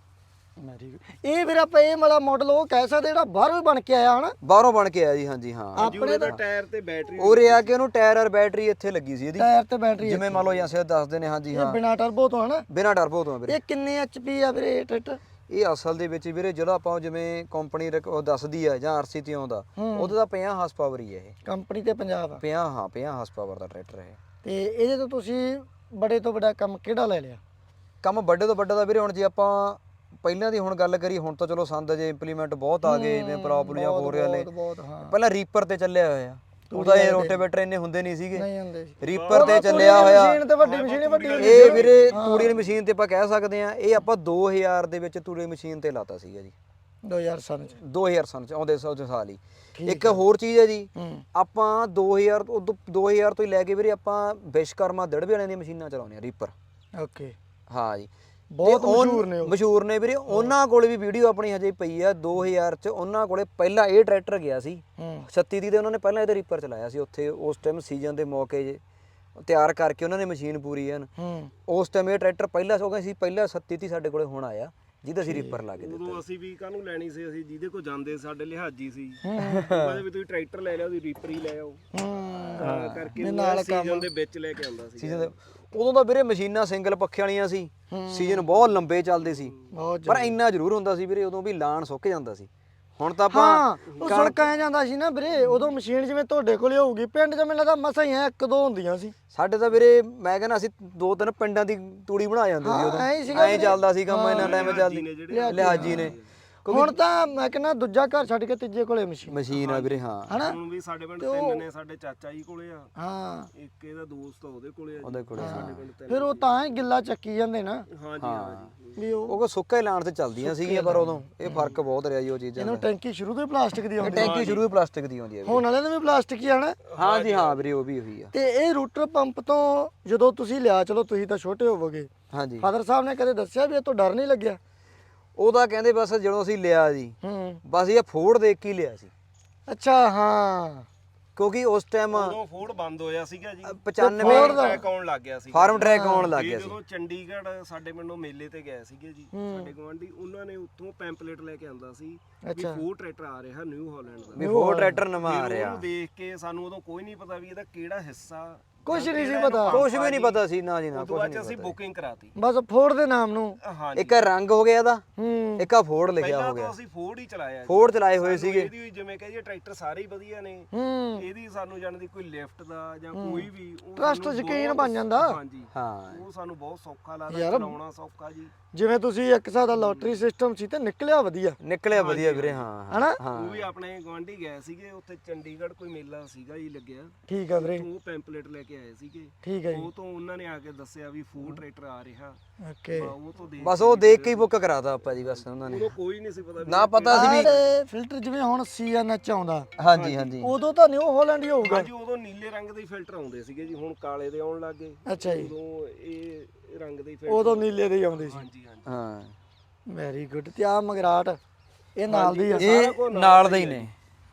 S2: ਵੈਰੀ ਗੁੱਡ। ਇਹ ਫਿਰ ਆਪਾਂ ਇਹ ਵਾਲਾ ਮਾਡਲ ਉਹ ਕਹਿ ਸਕਦੇ ਜਿਹੜਾ ਬਾਹਰੋਂ ਬਣ ਕੇ ਆਇਆ ਹਨਾ।
S1: ਬਾਹਰੋਂ ਬਣ ਕੇ ਆਇਆ ਜੀ। ਹਾਂਜੀ ਹਾਂ
S3: ਆਪਣੇ ਦਾ ਟਾਇਰ ਤੇ ਬੈਟਰੀ
S1: ਉਰੇ ਆ ਕੇ ਉਹਨੂੰ ਟਾਇਰ ਔਰ ਬੈਟਰੀ ਇੱਥੇ ਲੱਗੀ ਸੀ ਇਹਦੀ,
S2: ਟਾਇਰ ਤੇ ਬੈਟਰੀ
S1: ਜਿਵੇਂ ਮੰਨ ਲਓ ਜਾਂ ਦੱਸਦੇ ਨੇ। ਹਾਂਜੀ ਹਾਂ
S2: ਬਿਨਾ ਟਰਬੋ ਤੋਂ ਹਨਾ।
S1: ਬਿਨਾਂ ਟਰਬੋ ਤੋਂ ਵੀਰੇ।
S2: ਇਹ ਕਿੰਨੇ ਐਚਪੀ ਆ ਵੀਰੇ ਇਹ ਟਰੈਕਟਰ?
S1: ਇਹ ਅਸਲ ਦੇ ਵਿੱਚ ਵੀਰੇ ਜਦੋਂ ਆਪਾਂ ਜਿਵੇਂ ਕੰਪਨੀ ਦੱਸਦੀ ਆ ਜਾਂ RC ਤੇ ਆਉਂਦਾ, ਉਹਦਾ ਤਾਂ 50 ਹਾਰਸ ਪਾਵਰ ਹੀ ਹੈ ਇਹ।
S2: ਕੰਪਨੀ ਤੇ ਪੰਜਾਬ ਆ
S1: 50 ਹਾਂ 50 ਹਾਰਸ ਪਾਵਰ ਦਾ ਟਰੈਕਟਰ ਹੈ।
S2: ਤੇ ਇਹਦੇ ਤੋਂ ਤੁਸੀਂ ਬੜੇ ਤੋਂ ਬੜਾ ਕੰਮ ਕਿਹੜਾ ਲੈ ਲਿਆ?
S1: ਕੰਮ ਵੱਡੇ ਤੋਂ ਵੱਡਾ ਦਾ ਵੀਰੇ, ਹੁਣ ਜੇ ਆਪਾਂ ਪਹਿਲਾਂ ਦੀ ਹੁਣ ਗੱਲ ਕਰੀ, ਹੁਣ ਤਾਂ ਚਲੋ ਸੰਦ ਜੇ ਇੰਪਲੀਮੈਂਟ ਬਹੁਤ ਆ ਗਏ ਨੇ, ਪ੍ਰੋਬਲਮਾਂ ਹੋ ਰਹੀਆਂ ਨੇ।
S2: ਬਹੁਤ ਹਾਂ।
S1: ਪਹਿਲਾਂ ਰੀਪਰ ਤੇ ਚੱਲਿਆ ਹੋਇਆ, ਉਹਦਾ ਇਹ ਰੋਟੇਵੇਟਰ ਇੰਨੇ ਹੁੰਦੇ ਨਹੀਂ ਸੀਗੇ,
S2: ਨਹੀਂ ਹੁੰਦੇ ਸੀ।
S1: ਰੀਪਰ ਤੇ ਚੱਲਿਆ ਹੋਇਆ।
S2: ਮਸ਼ੀਨ ਤੇ ਵੱਡੀ ਮਸ਼ੀਨ ਵੱਡੀ
S1: ਇਹ ਵੀਰੇ ਤੂੜੀ ਦੀ ਮਸ਼ੀਨ ਤੇ ਆਪਾਂ ਕਹਿ ਸਕਦੇ ਆ, ਇਹ ਆਪਾਂ 2000 ਦੇ ਵਿੱਚ ਤੂੜੀ ਮਸ਼ੀਨ ਤੇ ਲਾਤਾ ਸੀਗਾ ਜੀ।
S2: 2000 ਸਨ ਚ
S1: 2000 ਸਨ ਚ ਆਉਂਦੇ ਸਾਲ ਹੀ। ਇੱਕ ਹੋਰ ਚੀਜ਼ ਹੈ ਜੀ, ਆਪਾਂ 2000 ਤੋਂ ਹੀ ਲੈ ਕੇ ਵੀਰੇ ਆਪਾਂ ਵਿਸ਼ਕਰਮਾ ਦੜਵੇ ਵਾਲਿਆਂ ਦੀਆਂ ਮਸ਼ੀਨਾਂ ਚਲਾਉਂਦੇ ਆ ਰੀਪਰ।
S2: ਓਕੇ
S1: ਹਾਂ ਜੀ
S2: ਬਹੁਤ ਮਸ਼ਹੂਰ ਨੇ ਉਹ।
S1: ਮਸ਼ਹੂਰ ਨੇ ਵੀਰੇ। ਉਹਨਾਂ ਕੋਲੇ ਵੀ ਵੀਡੀਓ ਆਪਣੀ ਹਜੇ ਪਈ ਆ 2000 ਚ। ਉਹਨਾਂ ਕੋਲੇ ਪਹਿਲਾਂ ਇਹ ਟਰੈਕਟਰ ਗਿਆ ਸੀ 36 ਦੀ, ਤੇ ਉਹਨਾਂ ਨੇ ਪਹਿਲਾਂ ਇਹਦੇ ਰੀਪਰ ਚਲਾਇਆ ਸੀ ਉੱਥੇ। ਉਸ ਟਾਈਮ ਸੀਜ਼ਨ ਦੇ ਮੌਕੇ ਜੇ ਤਿਆਰ ਕਰਕੇ ਉਹਨਾਂ ਨੇ ਮਸ਼ੀਨ ਪੂਰੀ ਐਨ। ਉਸ ਟਾਈਮ ਇਹ ਟਰੈਕਟਰ ਪਹਿਲਾਂ ਸੋ ਗਏ ਸੀ, ਪਹਿਲਾਂ 37 ਦੀ ਸਾਡੇ ਕੋਲੇ ਹੁਣ ਆਇਆ ਜਿਹਦਾ ਅਸੀਂ ਰੀਪਰ ਲਾ ਕੇ ਦਿੱਤਾ।
S3: ਉਦੋਂ ਅਸੀਂ ਵੀ ਕਾਹਨੂੰ ਲੈਣੀ ਸੀ, ਅਸੀਂ ਜਿਹਦੇ ਕੋਲ ਜਾਂਦੇ ਸਾਡੇ ਲਿਹਾਜੀ ਸੀ। ਕਹਿੰਦੇ ਵੀ ਤੁਸੀਂ ਟਰੈਕਟਰ ਲੈ ਲਿਓ, ਤੁਸੀਂ ਰੀਪਰ ਹੀ ਲੈ ਆਓ। ਤਾਂ ਕਰਕੇ ਨਾਲ ਸੀਜ਼ਨ ਦੇ ਵਿੱਚ ਲੈ ਕੇ ਆਉਂਦਾ ਸੀ।
S1: ਸੀਜ਼ਨ ਦੇ ਉਦੋਂ ਤਾਂ ਵੀਰੇ ਮਸ਼ੀਨਾਂ ਸਿੰਗਲ ਪੱਖੇ ਵਾਲੀਆਂ ਸੀ, ਸੀਜ਼ਨ ਬਹੁਤ ਲੰਬੇ ਚੱਲਦੇ ਸੀ, ਪਰ ਇੰਨਾ ਜ਼ਰੂਰ ਹੁੰਦਾ ਸੀ ਵੀਰੇ ਉਦੋਂ ਵੀ ਲਾਣ ਸੁੱਕ ਜਾਂਦਾ ਸੀ। ਹੁਣ ਤਾਂ ਆਪਾਂ
S2: ਉਹ ਸੁੱਕ ਆ ਜਾਂਦਾ ਸੀ ਨਾ ਵੀਰੇ ਉਦੋਂ। ਮਸ਼ੀਨ ਜਿਵੇਂ ਤੁਹਾਡੇ ਕੋਲੇ ਹੋਊਗੀ, ਪਿੰਡ 'ਚ ਮੈਨੂੰ ਲੱਗਦਾ ਮਸਾਂ ਹੀ ਇੱਕ ਦੋ ਹੁੰਦੀਆਂ ਸੀ ਸਾਡੇ।
S1: ਤਾਂ ਵੀਰੇ ਮੈਂ ਕਹਿੰਦਾ ਅਸੀਂ 2-3 ਪਿੰਡਾਂ ਦੀ ਤੂੜੀ ਬਣਾ ਜਾਂਦੇ ਸੀ ਉਦੋਂ। ਐਂ ਚੱਲਦਾ ਸੀ ਕੰਮ, ਇੰਨਾ ਟਾਈਮ ਚੱਲਦੀ ਲਿਹਾਜੀ ਨੇ।
S2: ਹੁਣ ਤਾਂ ਮੈਂ ਕਹਿੰਦਾ ਦੂਜਾ ਘਰ ਛੱਡ ਕੇ ਤੀਜੇ ਕੋਲੇ ਮਸ਼ੀਨ
S1: ਆ ਵੀਰੇ। ਹਾਂ
S2: ਹਨਾ।
S3: ਹੁਣ ਵੀ ਸਾਡੇ ਪਿੰਡ 3 ਨੇ, ਸਾਡੇ ਚਾਚਾ ਜੀ ਕੋਲੇ ਆ,
S2: ਹਾਂ
S3: ਇੱਕ ਇਹਦਾ ਦੋਸਤ ਆ ਉਹਦੇ ਕੋਲੇ ਆ,
S1: ਉਹਦੇ ਕੋਲੇ।
S3: ਸਾਡੇ ਪਿੰਡ 3।
S2: ਫਿਰ ਉਹ ਤਾਂ ਹੀ ਗਿੱਲਾ ਚੱਕੀ ਜਾਂਦੇ ਨਾ।
S3: ਹਾਂਜੀ ਹਾਂਜੀ
S2: ਵੀ
S1: ਉਹ ਸੁੱਕਾ ਹੀ ਲਾਣ ਤੇ ਚੱਲਦੀਆਂ ਸੀਗੀਆਂ, ਪਰ ਉਦੋਂ ਇਹ ਫਰਕ ਬਹੁਤ ਰਿਹਾ ਜੀ ਉਹ ਚੀਜ਼ਾਂ
S2: ਇਹਨੂੰ ਟੈਂਕੀ ਸ਼ੁਰੂ ਤੋਂ ਹੀ ਪਲਾਸਟਿਕ ਦੀ ਆਉਂਦੀ।
S1: ਟੈਂਕੀ ਸ਼ੁਰੂ ਤੋਂ ਪਲਾਸਟਿਕ ਦੀ ਆਉਂਦੀ ਹੈ।
S2: ਹੁਣ ਵਾਲਿਆਂ ਨੇ ਵੀ ਪਲਾਸਟਿਕ ਹੀ ਆਣਾ।
S1: ਹਾਂਜੀ ਹਾਂ ਵੀਰੇ ਉਹ ਵੀ ਉਹੀ ਆ।
S2: ਤੇ ਇਹ ਰੂਟਰ ਪੰਪ ਤੋਂ ਜਦੋਂ ਤੁਸੀਂ ਲਿਆ, ਚਲੋ ਤੁਸੀਂ ਤਾਂ ਛੋਟੇ ਹੋਵੋਗੇ,
S1: ਹਾਂਜੀ
S2: ਫਾਦਰ ਸਾਹਿਬ ਨੇ ਕਦੇ ਦੱਸਿਆ ਵੀ ਇਹ ਤੋਂ ਡਰ ਨਹੀਂ ਲੱਗਿਆ?
S1: ਉਹ ਤਾਂ ਕਹਿੰਦੇ ਬਸ ਜਦੋਂ ਅਸੀਂ ਲਿਆ ਜੀ, ਬਸ ਇਹ ਫੋੜ ਦੇਖ ਕੇ ਹੀ ਲਿਆ ਸੀ।
S2: ਅੱਛਾ ਹਾਂ,
S1: ਕਿਉਂਕਿ ਉਸ ਟਾਈਮ
S3: ਉਦੋਂ ਫੋਰਡ ਬੰਦ ਹੋਇਆ ਸੀਗਾ ਜੀ,
S1: 95
S3: ਟਰੈਕ ਆਉਣ ਲੱਗ ਗਿਆ ਸੀ।
S1: ਫਾਰਮ ਟਰੈਕ ਆਉਣ ਲੱਗ ਗਿਆ ਸੀ।
S3: ਜਦੋਂ ਚੰਡੀਗੜ੍ਹ ਸਾਡੇ ਪਿੰਡੋਂ ਮੇਲੇ ਤੇ ਗਏ ਸੀਗੇ ਜੀ, ਸਾਡੇ ਗੁਆਂਢੀ, ਉਹਨਾਂ ਨੇ ਉੱਥੋਂ ਪੈਂਪਲੇਟ ਲੈ ਕੇ ਆਂਦਾ ਸੀ ਵੀ ਫੋਰਡ ਟਰੈਕਟਰ ਆ ਰਿਹਾ ਨਿਊ ਹਾਲੈਂਡ ਦਾ।
S1: ਵੀ ਫੋੜ ਟਰੈਕਟਰ ਨਵਾਂ ਆ ਰਿਹਾ।
S3: ਉਹਨੂੰ ਦੇਖ ਕੇ ਸਾਨੂੰ ਉਦੋਂ ਕੋਈ ਨਹੀਂ ਪਤਾ ਵੀ ਇਹਦਾ ਕਿਹੜਾ ਹਿੱਸਾ,
S2: ਕੁਛ ਨਹੀਂ ਸੀ ਪਤਾ,
S1: ਕੁਝ ਵੀ ਨਹੀਂ ਪਤਾ ਸੀ ਨਾ ਜੀ ਨਾ।
S3: ਉਦੋਂ ਬਾਅਦ ਅਸੀਂ ਬੁਕਿੰਗ ਕਰਾਤੀ।
S2: ਬਸ ਫੋੜ ਦੇ ਨਾਮ ਨੂੰ।
S3: ਹਾਂਜੀ
S1: ਇੱਕ ਰੰਗ ਹੋ ਗਿਆ ਇਹਦਾ, ਇੱਕ ਆ ਫੋੜ ਲਿਖਿਆ ਹੋ
S3: ਪਹਿਲਾਂ
S1: ਗਿਆ।
S3: ਤਾਂ ਅਸੀਂ ਫੋਰਡ ਹੀ ਚਲਾਇਆ।
S1: ਫੋੜ ਚਲਾਏ ਹੋਏ ਸੀਗੇ।
S3: ਇਹਦੀ ਜਿਵੇਂ ਕਹੀਏ ਟਰੈਕਟਰ ਸਾਰੇ ਹੀ ਵਧੀਆ ਨੇ, ਇਹਦੀ ਸਾਨੂੰ ਜਾਣਦੀ ਕੋਈ ਲਿਫਟ ਦਾ ਜਾਂ ਕੋਈ ਵੀ
S2: ਟਰਸਟ ਯਕੀਨ ਬਣ ਜਾਂਦਾ।
S3: ਹਾਂਜੀ
S1: ਹਾਂ
S3: ਉਹ ਸਾਨੂੰ ਬਹੁਤ ਸੌਖਾ ਲੱਗਦਾ, ਚਲਾਉਣਾ ਸੌਖਾ ਜੀ।
S2: ਜਿਵੇਂ ਤੁਸੀਂ ਇੱਕ ਹਿਸਾਬ ਦਾ ਲੋਟਰੀ ਸਿਸਟਮ ਸੀ ਤੇ ਨਿਕਲਿਆ ਵਧੀਆ।
S1: ਨਿਕਲਿਆ ਵਧੀਆ ਵੀਰੇ। ਹਾਂ
S2: ਹਨਾ।
S3: ਉਹ ਵੀ ਆਪਣੇ ਗੁਆਂਢੀ ਗਏ ਸੀਗੇ, ਉੱਥੇ ਚੰਡੀਗੜ੍ਹ ਕੋਈ ਮੇਲਾ ਸੀਗਾ ਜੀ ਲੱਗਿਆ।
S2: ਠੀਕ ਆ ਵੀਰੇ।
S3: ਉਹ ਪੈਂਪਲੇਟ ਲੈ ਕੇ ਆਏ ਸੀਗੇ।
S2: ਠੀਕ ਹੈ ਜੀ।
S3: ਉਹ ਤੋਂ ਉਹਨਾਂ ਨੇ ਆ ਕੇ ਦੱਸਿਆ ਵੀ ਫੋਰਡ ਟਰੈਕਟਰ ਆ ਰਿਹਾ।
S2: ਓਕੇ।
S3: ਉਹ ਤੋਂ
S1: ਬਸ ਉਹ ਦੇਖ ਕੇ ਹੀ ਬੁੱਕ ਕਰਾਤਾ ਆਪਾਂ ਜੀ ਬਸ ਉਹਨਾਂ ਨੇ।
S3: ਉਦੋਂ ਕੋਈ ਨਹੀਂ ਸੀ ਪਤਾ
S1: ਨਾ ਪਤਾ ਸੀ ਵੀ
S2: ਫਿਲਟਰ ਜਿਵੇਂ ਹੁਣ CNH ਆਉਂਦਾ।
S1: ਹਾਂਜੀ ਹਾਂਜੀ
S2: ਉਦੋਂ ਤਾਂ ਨਿਊ ਹਾਲੈਂਡ ਹੀ ਹੋਊਗਾ।
S3: ਹਾਂਜੀ ਉਦੋਂ ਨੀਲੇ ਰੰਗ ਦੇ ਫਿਲਟਰ ਆਉਂਦੇ ਸੀਗੇ ਜੀ, ਹੁਣ ਕਾਲੇ ਦੇ ਆਉਣ ਲੱਗ ਗਏ।
S2: ਅੱਛਾ ਜੀ।
S3: ਉਦੋਂ ਇਹ ਰੰਗ ਦੇ ਫਿਲਟਰ
S2: ਉਦੋਂ ਨੀਲੇ ਦੇ ਹੀ ਆਉਂਦੇ ਸੀ।
S3: ਹਾਂਜੀ ਹਾਂਜੀ
S1: ਹਾਂ
S2: ਵੈਰੀ ਗੁੱਡ। ਤੇ ਆ ਮਗਰਾਟ ਇਹ ਨਾਲ ਦੀ ਆ।
S1: ਇਹ ਨਾਲ ਦੇ ਹੀ ਨੇ।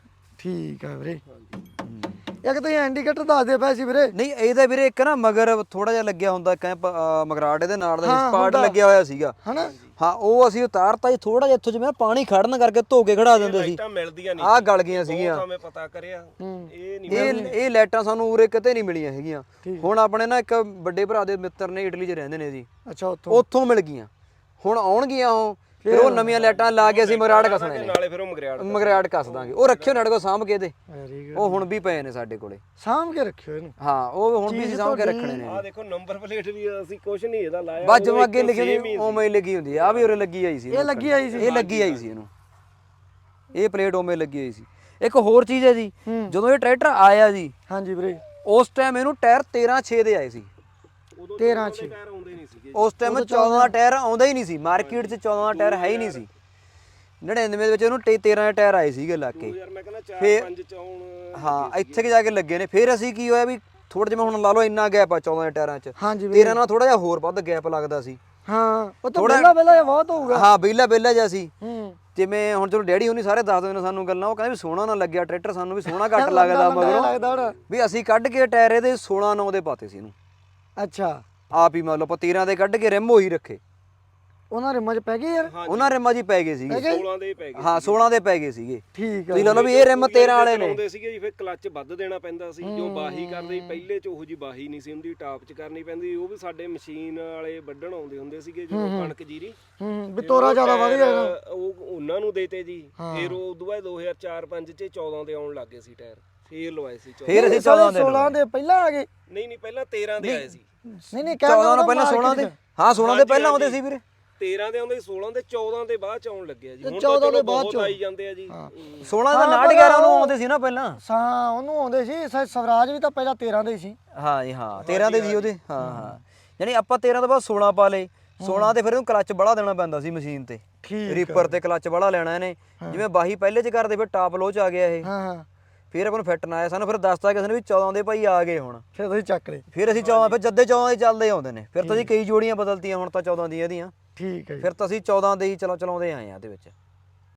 S2: ਠੀਕ ਆ ਵੀਰੇ। ਇੱਕ ਤੁਸੀਂ ਇੰਡੀਕੇਟਰ ਦੱਸਦੇ ਪਏ ਸੀ ਵੀਰੇ।
S1: ਨਹੀਂ ਇਹਦਾ ਵੀਰੇ ਇੱਕ ਨਾ ਮਗਰ ਥੋੜਾ ਜਿਹਾ ਲੱਗਿਆ ਹੁੰਦਾ ਮਗਰਾਟ ਇਹਦੇ ਨਾਲ ਦਾ ਸਪਾਟ ਲੱਗਿਆ ਹੋਇਆ ਸੀਗਾ
S2: ਹਨਾ।
S1: ਹਾਂ ਉਹ ਅਸੀਂ ਉਤਾਰਤਾ ਜੀ ਥੋੜਾ ਜਿਹਾ ਇੱਥੋਂ ਜਿਵੇਂ ਪਾਣੀ ਖੜਨ ਕਰਕੇ ਧੋ ਕੇ ਖੜਾ ਦਿੰਦੇ ਸੀ।
S3: ਲਾਈਟਾਂ ਮਿਲਦੀਆਂ ਨਹੀਂ,
S1: ਆਹ ਗਲ ਗਈਆਂ ਸੀਗੀਆਂ।
S3: ਮੈਂ ਪਤਾ ਕਰਿਆ ਇਹ ਨਹੀਂ
S1: ਇਹ ਲਾਈਟਾਂ ਸਾਨੂੰ ਉਰੇ ਕਿਤੇ ਨਹੀਂ ਮਿਲੀਆਂ ਹੈਗੀਆਂ। ਹੁਣ ਆਪਣੇ ਨਾ ਇੱਕ ਵੱਡੇ ਭਰਾ ਦੇ ਮਿੱਤਰ ਨੇ ਇਟਲੀ 'ਚ ਰਹਿੰਦੇ ਨੇ ਜੀ,
S2: ਅੱਛਾ ਉੱਥੋਂ
S1: ਮਿਲ ਗਈਆਂ। ਹੁਣ ਆਉਣਗੀਆਂ ਉਹ, ਫਿਰ ਉਹ ਨਵੀਆਂ ਲਾਈਟਾਂ ਲਾ ਕੇ ਅਸੀਂ ਮਗਰਾਟ ਕੱਸਣੇ ਨੇ।
S3: ਨਾਲੇ ਫਿਰ ਉਹ
S1: ਮਗਰਾਟ ਕੱਸ ਦਾਂਗੇ। ਉਹ ਰੱਖਿਓ ਸਾਡੇ ਕੋਲ ਸਾਂਭ ਕੇ ਇਹਦੇ,
S2: ਵੈਰੀ ਗੁੱਡ।
S1: ਉਹ ਹੁਣ ਵੀ ਪਏ ਨੇ ਸਾਡੇ ਕੋਲੇ।
S2: ਸਾਂਭ ਕੇ ਰੱਖਿਓ ਇਹਨੂੰ।
S1: ਹਾਂ ਉਹ ਹੁਣ ਵੀ ਅਸੀਂ ਸਾਂਭ ਕੇ ਰੱਖਣੇ ਨੇ।
S3: ਆਹ ਦੇਖੋ ਨੰਬਰ ਪਲੇਟ ਵੀ ਅਸੀਂ ਕੁਝ ਨਹੀਂ ਇਹਦਾ ਲਾਇਆ,
S1: ਬਸ ਜਿਵੇਂ ਅੱਗੇ ਲਿਖੀ ਹੁੰਦੀ ਉਵੇਂ ਹੀ ਲੱਗੀ ਹੁੰਦੀ ਆ। ਵੀ ਉਰੇ ਲੱਗੀ ਆਈ ਸੀ।
S2: ਇਹ ਲੱਗੀ ਆਈ ਸੀ।
S1: ਇਹ ਲੱਗੀ ਆਈ ਸੀ ਇਹਨੂੰ, ਇਹ ਪਲੇਟ ਉਵੇਂ ਲੱਗੀ ਆਈ ਸੀ। ਇੱਕ ਹੋਰ ਚੀਜ਼ ਹੈ ਜੀ, ਜਦੋਂ ਇਹ ਟਰੈਕਟਰ ਆਇਆ ਜੀ,
S2: ਹਾਂਜੀ ਵੀਰੇ,
S1: ਉਸ ਟਾਈਮ ਇਹਨੂੰ ਟਾਇਰ 13/6 ਦੇ ਆਏ ਸੀ।
S2: 13/6
S3: ਟਾਇਰ ਆਉਂਦੇ ਨਹੀਂ ਸੀਗੇ
S1: ਉਸ ਟਾਈਮ 14 ਦਾ ਟਾਇਰ ਆਉਂਦਾ ਹੀ ਨਹੀਂ ਸੀ ਮਾਰਕੀਟ 'ਚ। 14 ਦਾ ਟਾਇਰ ਹੈ ਹੀ ਨਹੀਂ ਸੀ। 99 ਦੇ ਵਿੱਚ ਉਹਨੂੰ 13 ਦੇ ਟਾਇਰ ਆਏ ਸੀਗੇ ਲਾ ਕੇ
S3: ਯਾਰ ਮੈਂ ਕਹਿੰਦਾ 4-5 ਚ ਆਉਣ
S1: ਹਾਂ ਇੱਥੇ ਕਿ ਜਾ ਕੇ ਲੱਗੇ ਨੇ। ਫਿਰ ਅਸੀਂ ਕੀ ਹੋਇਆ ਵੀ ਥੋੜਾ ਜਿਹਾ ਹੁਣ ਲਾ ਲਓ ਇੰਨਾ ਗੈਪ ਆ 14 ਦੇ ਟਾਇਰਾਂ 'ਚ,
S2: ਹਾਂਜੀ
S1: 13 ਨਾਲ ਥੋੜਾ ਜਿਹਾ ਹੋਰ ਵੱਧ ਗੈਪ ਲੱਗਦਾ ਸੀ।
S2: ਹਾਂ ਉਹ ਤਾਂ ਪਹਿਲਾਂ ਬਹੁਤ ਹੋਊਗਾ।
S1: ਹਾਂ ਬੇਲਾ ਜਿਹਾ ਸੀ।
S2: ਹੂੰ
S1: ਜਿਵੇਂ ਹੁਣ ਚਲੋ ਡੈਡੀ ਹੁਣੀ ਸਾਰੇ ਦੱਸਦੇ ਨੇ ਸਾਨੂੰ ਗੱਲਾਂ, ਉਹ ਕਹਿੰਦੇ ਵੀ ਸੋਹਣਾ ਨਾ ਲੱਗਿਆ ਟਰੈਕਟਰ ਸਾਨੂੰ, ਵੀ ਸੋਹਣਾ ਘੱਟ ਲੱਗਦਾ ਮਗਰੋਂ, ਵੀ ਅਸੀਂ ਕੱਢ ਕੇ ਟਾਇਰ ਇਹਦੇ 16-9 ਦੇ ਪਾਤੇ ਸੀ ਇਹਨੂੰ।
S2: ਅੱਛਾ
S1: ਆਪ ਹੀ ਮਤਲਬ ਆਪਾਂ 13 ਦੇ ਕੱਢ ਕੇ ਰਿਮ ਉਹੀ ਰੱਖੇ।
S2: ਉਹਨਾਂ ਰਿਮਾਂ 'ਚ ਪੈ ਗਏ ਯਾਰ।
S1: ਉਹਨਾਂ ਰਿਮਾਂ 'ਚ ਹੀ ਪੈ ਗਏ ਸੀਗੇ।
S3: 16 ਦੇ ਪੈ ਗਏ।
S1: ਹਾਂ 16 ਦੇ ਪੈ ਗਏ ਸੀਗੇ।
S2: ਠੀਕ ਆ
S1: ਤੁਸੀਂ ਲਾ ਲਓ ਵੀ ਇਹ ਰਿਮ 13 ਵਾਲੇ ਨੇ।
S3: ਹੁੰਦੇ ਸੀਗੇ ਜੀ, ਫਿਰ ਕਲੱਚ ਵੱਧ ਦੇਣਾ ਪੈਂਦਾ ਸੀ। ਜੋ ਬਾਹੀ ਕਰਦੇ ਸੀ ਪਹਿਲੇ ਚ ਉਹੋ ਜੀ ਬਾਹੀ ਨਹੀਂ ਸੀ ਹੁੰਦੀ, ਟਾਪ ਚ ਕਰਨੀ ਪੈਂਦੀ। ਉਹ ਵੀ ਸਾਡੇ ਮਸ਼ੀਨ ਵਾਲੇ ਵੱਢਣ ਆਉਂਦੇ ਹੁੰਦੇ ਸੀਗੇ ਜਦੋਂ ਕਣਕ ਜੀਰੀ।
S2: ਵੀ ਤੋਰਾ ਜ਼ਿਆਦਾ ਵਧ ਗਿਆ
S3: ਉਹ ਉਹਨਾਂ ਨੂੰ ਦੇਤੇ ਜੀ। ਫਿਰ ਉਹ ਉਦੋਂ ਬਾਅਦ 2004-5 ਚ 14 ਦੇ ਆਉਣ ਲੱਗੇ ਸੀ ਟਾਇਰ, ਫੇਰ ਲਵਾਏ ਸੀ 14।
S1: ਫਿਰ ਅਸੀਂ
S2: 16 ਦੇ ਪਹਿਲਾਂ ਆ ਗਏ।
S3: ਨਹੀਂ ਪਹਿਲਾਂ 13 ਦੇ ਆਏ ਸੀ।
S2: ਨਹੀਂ
S1: 14 ਤੋਂ ਪਹਿਲਾਂ 16 ਦੇ। ਹਾਂ 16 ਦੇ ਪਹਿਲਾਂ ਆਉਂਦੇ ਸੀ ਵੀਰੇ।
S3: 13 ਦੇ ਆਉਂਦੇ 16 ਦੇ 14 ਦੇ ਬਾਅਦ ਚ ਆਉਣ ਲੱਗਿਆ ਜੀ। ਹੁਣ
S2: 14 ਦੇ
S3: ਤਾਂ
S2: ਬਾਅਦ
S3: ਬਹੁਤ ਆਈ ਜਾਂਦੇ ਆ ਜੀ।
S1: 16 ਦਾ 911 ਨੂੰ ਆਉਂਦੇ ਸੀ ਨਾ ਪਹਿਲਾਂ।
S2: ਹਾਂ ਉਹਨੂੰ ਆਉਂਦੇ ਸੀ। ਸਵਰਾਜ ਵੀ ਤਾਂ ਪਹਿਲਾਂ 13 ਦੇ ਸੀ।
S1: ਹਾਂ ਜੀ ਹਾਂ 13 ਦੇ ਸੀ ਉਹਦੇ। ਹਾਂ ਯਾਨੀ ਆਪਾਂ 13 ਤੋਂ ਬਾਅਦ 16 ਪਾ ਲਏ। 16 ਤੇ ਫਿਰ ਉਹਨੂੰ ਕਲੱਚ ਬੜਾ ਦੇਣਾ ਪੈਂਦਾ ਸੀ ਮਸ਼ੀਨ ਤੇ, ਰੀਪਰ ਤੇ ਕਲੱਚ ਬੜਾ ਲੈਣਾ ਇਹਨੇ। ਜਿਵੇਂ ਬਾਹੀ ਪਹਿਲੇ ਚ ਕਰਦੇ, ਫਿਰ ਟਾਪ ਲੋ ਚ ਆ ਗਿਆ ਇਹ।
S2: ਹਾਂ
S1: ਫਿਰ ਆਪਾਂ ਨੂੰ ਫਿੱਟ ਨਾ ਆਇਆ, ਸਾਨੂੰ ਫਿਰ ਦੱਸਤਾ ਕਿਸੇ ਨੇ ਵੀ 14 ਦੇ ਭਾਈ ਆ ਗਏ ਹੁਣ।
S2: ਫਿਰ ਤੁਸੀਂ ਚੱਕ ਲਏ।
S1: ਫਿਰ ਅਸੀਂ 14 ਫਿਰ ਜੱਦੇ 14 ਦੇ ਚੱਲਦੇ ਆਉਂਦੇ ਨੇ। ਫਿਰ ਤਾਂ ਅਸੀਂ ਕਈ ਜੋੜੀਆਂ ਬਦਲਤੀਆਂ, ਹੁਣ ਤਾਂ 14 ਦੀਆਂ ਇਹਦੀਆਂ।
S2: ਠੀਕ ਹੈ ਜੀ।
S1: ਫਿਰ ਤਾਂ ਅਸੀਂ 14 ਦੇ ਹੀ ਚਲਾਉਂਦੇ ਆਏ ਆ ਇਹਦੇ ਵਿੱਚ।